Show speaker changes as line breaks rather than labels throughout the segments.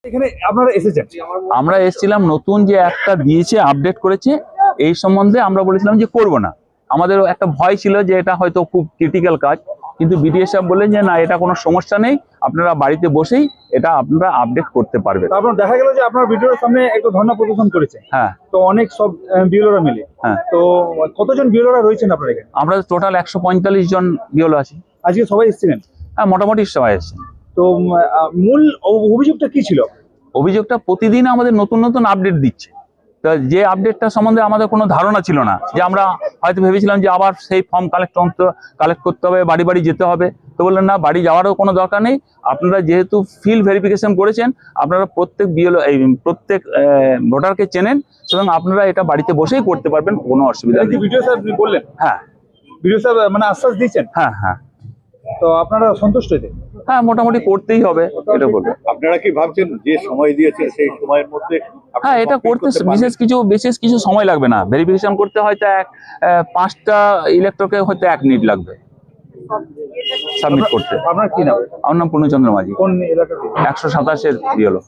এখানে আপনারা এসেছেন?
আমরা এসেছিলাম, নতুন যে একটা দিয়েছে আপডেট করেছে এই সম্বন্ধে আমরা বলেছিলাম যে করব না। আমাদের একটা ভয় ছিল যে এটা হয়তো খুব ক্রিটিক্যাল কাজ, কিন্তু বিডিও সাহেব বললেন যে না, এটা কোনো সমস্যা নেই, আপনারা বাড়িতে বসেই এটা আপনারা আপডেট করতে পারবেন।
তারপর দেখা গেল যে আপনার ভিডিওর সামনে একটু ধর্ণা প্রদর্শন করেছে।
হ্যাঁ,
তো অনেক সব বিএলওরা মিলে।
হ্যাঁ।
তো কতজন বিএলওরা রয়েছেন আপনার এখানে?
আমরা টোটাল 145 জন বিওলো আছি।
আজকে সবাই এসেছিলেন?
হ্যাঁ, মোটামুটি সবাই এসেছেন।
তো মূল অভিযোগটা কি ছিল?
অভিযোগটা প্রতিদিন আমাদের নতুন নতুন আপডেট দিচ্ছে। তা যে আপডেটটা সম্বন্ধে আমাদের কোনো ধারণা ছিল না, যে আমরা হয়তো ভেবেছিলাম যে আবার সেই ফর্ম কালেক্ট করতে হবে, বাড়ি বাড়ি যেতে হবে। তো বললেন না, বাড়ি যাওয়ারও কোনো দরকার নেই, আপনারা যেহেতু ফিল্ড ভেরিফিকেশন করেছেন, আপনারা প্রত্যেক প্রত্যেক ভোটারকে চেনেন, এবং আপনারা এটা বাড়িতে বসেই করতে পারবেন, কোনো অসুবিধা নেই।
ভিডিও সাহেব বললেন?
হ্যাঁ,
ভিডিও সাহেব মানে আশ্বাস দিয়েছেন?
হ্যাঁ, হ্যাঁ।
তো আপনারা সন্তুষ্ট এতে?
হ্যাঁ, মোটামুটি করতেই হবে এটা বলবো।
আপনারা কি ভাবছেন যে সময় দিয়েছেন সেই সময়ের মধ্যে?
হ্যাঁ, এটা করতে বিশেষ কিছু সময় লাগবে না। ভেরিফিকেশন করতে হয়তো 5টা ইলেক্টরকে হয়তো 1 মিনিট লাগবে সাবমিট করতে।
আপনার কি নাম?
আমার নাম পূর্ণচন্দ্র মাঝি,
কোন এলাকা?
127-এর বিএলও।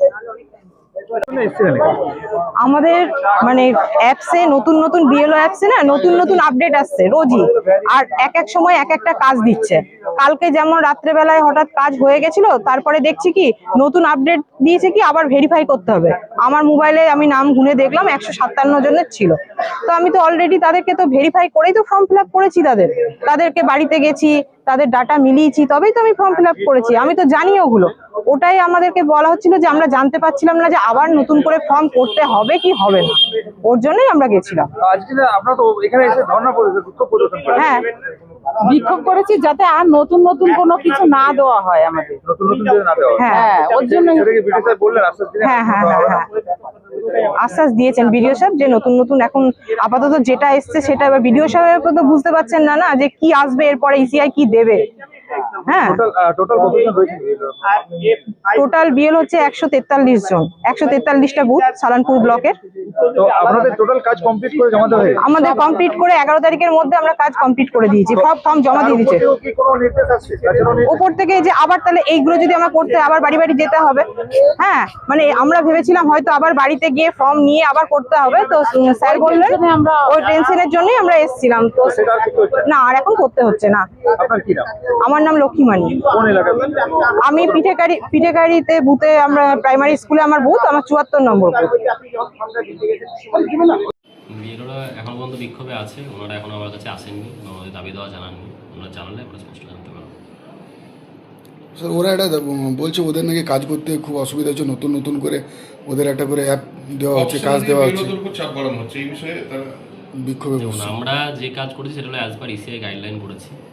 আমাদের মানে অ্যাপসে নতুন নতুন বিএলও অ্যাপসে না নতুন নতুন আপডেট আসছে রোজই, আর এক এক সময় এক একটা কাজ দিচ্ছে। কালকে যেমন রাত্রেবেলায় হঠাৎ কাজ হয়ে গেছিল, তারপরে দেখছি কি নতুন আপডেট দিয়েছে কি আবার ভেরিফাই করতে হবে। আমার মোবাইলে আমি নাম গুনে দেখলাম 157 জনের ছিল। তো আমি তো অলরেডি তাদেরকে তো ভেরিফাই করেই তো ফর্ম ফিল আপ করেছি, তাদেরকে বাড়িতে গেছি, তাদের ডাটা মিলিয়েছি, তবেই তো আমি ফর্ম ফিল আপ করেছি। আমি তো জানি ওগুলো। ওটাই আমাদেরকে বলা হচ্ছিল যে আমরা জানতে পারছিলাম না যে আবার নতুন করে ফর্ম করতে হবে কি হবে না, ওর জন্যই আমরা গেছিলাম।
আজকে আপনারা তো এখানে এসে ধর্ণা বিক্ষোভ প্রদর্শন করেন?
হ্যাঁ,
বিক্ষোভ করেছি যাতে আর নতুন নতুন কোনো কিছু না দেওয়া হয় আমাদের।
নতুন নতুন যদি না দেওয়া হয়।
হ্যাঁ,
ওর জন্য
সেটাকে ভিডিও সাহেব বললেন, আশ্বাস দিলেন?
হ্যাঁ, হ্যাঁ, হ্যাঁ, হ্যাঁ, আশ্বাস দিয়েছেন বিডিও সাহেব যে নতুন নতুন এখন আপাতত যেটা এসছে সেটা। এবার বিডিও সাহেব তো বুঝতে পারছেন না যে কি আসবে এরপরে, ইসিআই কি দেবে। হ্যাঁ,
টোটাল কতজন রয়েছেন?
টোটাল বিএল হচ্ছে 143 জন, 143টা বুথ সালানপুর ব্লকের।
তো আপনাদের টোটাল কাজ কমপ্লিট করে জমা দেওয়া হয়েছে?
আমাদের কমপ্লিট করে 11 তারিখের মধ্যে আমরা কাজ কমপ্লিট করে দিয়েছি, সব ফর্ম জমা দিয়ে দিয়েছে।
কি কোনো নির্দেশ আসছে?
উপর থেকে যে আবার তাহলে এইগুলো যদি আমরা করতে আবার বাড়ি বাড়ি যেতে হবে। হ্যাঁ, মানে আমরা ভেবেছিলাম হয়তো আবার বাড়িতে গিয়ে ফর্ম নিয়ে আবার করতে হবে। তো স্যার বললেন ওই টেনশনের জন্যই আমরা এসেছিলাম। তো না, আর এখন করতে হচ্ছে না।
আপনার কি নাম?
আমার নাম লক্ষ্মীমানি।
কোন এলাকা?
আমি পিঠেকারিতে বুথে, আমরা প্রাইমারি স্কুলে আমার বুথ, আমার 74 নম্বর বুথ।
বিএলওরা এখন পর্যন্ত বিক্ষোভে আছে, ওনারা এখন আমার কাছে আসেননি, আমাদের দাবি দেওয়া জানাননি। ওনারা জানালে আমরা স্পষ্ট জানতে পারবো।
স্যার, ওরা একটা বলছে ওদের নাকি কাজ করতে খুব অসুবিধা হচ্ছে, নতুন নতুন করে ওদের একটা করে অ্যাপ দেওয়া হচ্ছে, কাজ দেওয়া হচ্ছে,
চাপ বাড়ানো হচ্ছে এই বিষয়ে তারা
বিক্ষোভে
যেমন
বসছে।
আমরা যে কাজ করেছি সেটা হলো অ্যাজ পার ইসিআই গাইডলাইন করেছি।